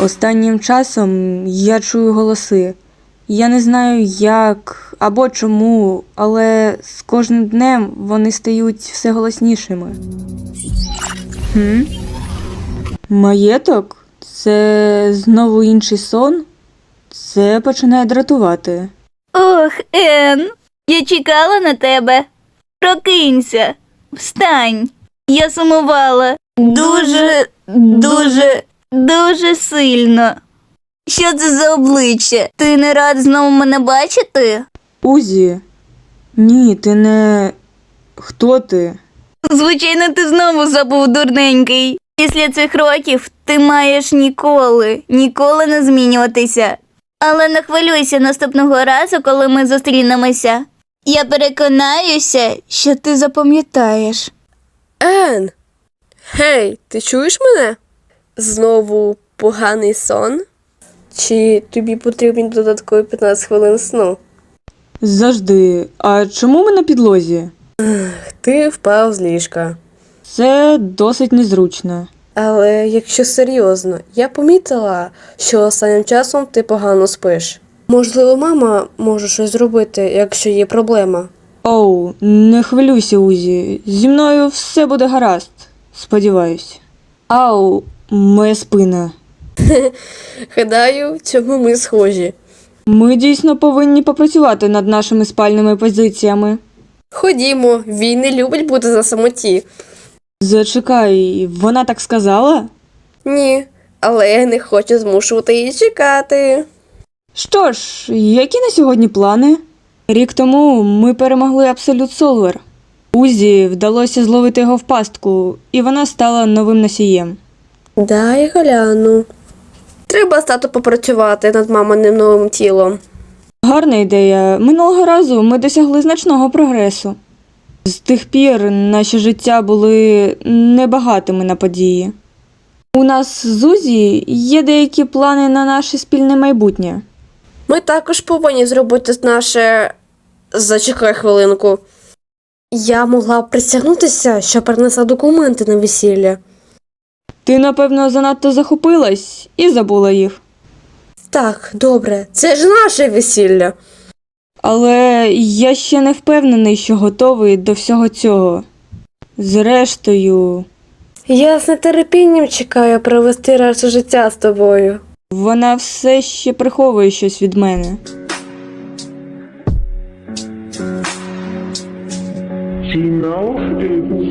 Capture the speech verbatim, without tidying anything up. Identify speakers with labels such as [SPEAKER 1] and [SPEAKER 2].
[SPEAKER 1] Останнім часом я чую голоси. Я не знаю як або чому, але з кожним днем вони стають все голоснішими. Хм? Маєток? Це знову інший сон? Це починає дратувати.
[SPEAKER 2] Ох, Ен, я чекала на тебе. Прокинься, встань. Я сумувала. Дуже, дуже, дуже сильно. Що це за обличчя? Ти не рад знову мене бачити?
[SPEAKER 1] Узі? Ні, ти не... Хто ти?
[SPEAKER 2] Звичайно, ти знову забув, дурненький. Після цих років ти маєш ніколи, ніколи не змінюватися. Але не хвилюйся наступного разу, коли ми зустрінемося. Я переконаюся, що ти запам'ятаєш.
[SPEAKER 3] Ен! Гей, ти чуєш мене? Знову поганий сон? Чи тобі потрібні додаткові п'ятнадцять хвилин сну?
[SPEAKER 1] Завжди. А чому ми на підлозі?
[SPEAKER 3] Ти впав з ліжка.
[SPEAKER 1] Це досить незручно.
[SPEAKER 3] Але якщо серйозно, я помітила, що останнім часом ти погано спиш. Можливо, мама може щось зробити, якщо є проблема.
[SPEAKER 1] Оу, не хвилюйся, Узі. Зі мною все буде гаразд. Сподіваюсь. Ау, моя спина.
[SPEAKER 3] Гадаю, в цьому ми схожі.
[SPEAKER 1] Ми дійсно повинні попрацювати над нашими спальними позиціями.
[SPEAKER 3] Ходімо, він не любить бути за самоті.
[SPEAKER 1] Зачекай, вона так сказала?
[SPEAKER 3] Ні, але я не хочу змушувати її чекати.
[SPEAKER 1] Що ж, які на сьогодні плани? Рік тому ми перемогли Абсолют Солвер. Узі вдалося зловити його в пастку, і вона стала новим носієм.
[SPEAKER 3] Дай гляну. Треба стати попрацювати над маминим новим тілом.
[SPEAKER 1] Гарна ідея. Минулого разу ми досягли значного прогресу. З тих пір наші життя були небагатими на події. У нас з Узі є деякі плани на наше спільне майбутнє.
[SPEAKER 3] Ми також повинні зробити наше... Зачекай хвилинку. Я могла б присягнутися, що принесла документи на весілля.
[SPEAKER 1] Ти, напевно, занадто захопилась і забула їх.
[SPEAKER 3] Так, добре, це ж наше весілля.
[SPEAKER 1] Але я ще не впевнений, що готовий до всього цього. Зрештою,
[SPEAKER 3] Я з нетерпінням чекаю провести решту життя з тобою.
[SPEAKER 1] вона все ще приховує щось від мене.
[SPEAKER 4] She knows it.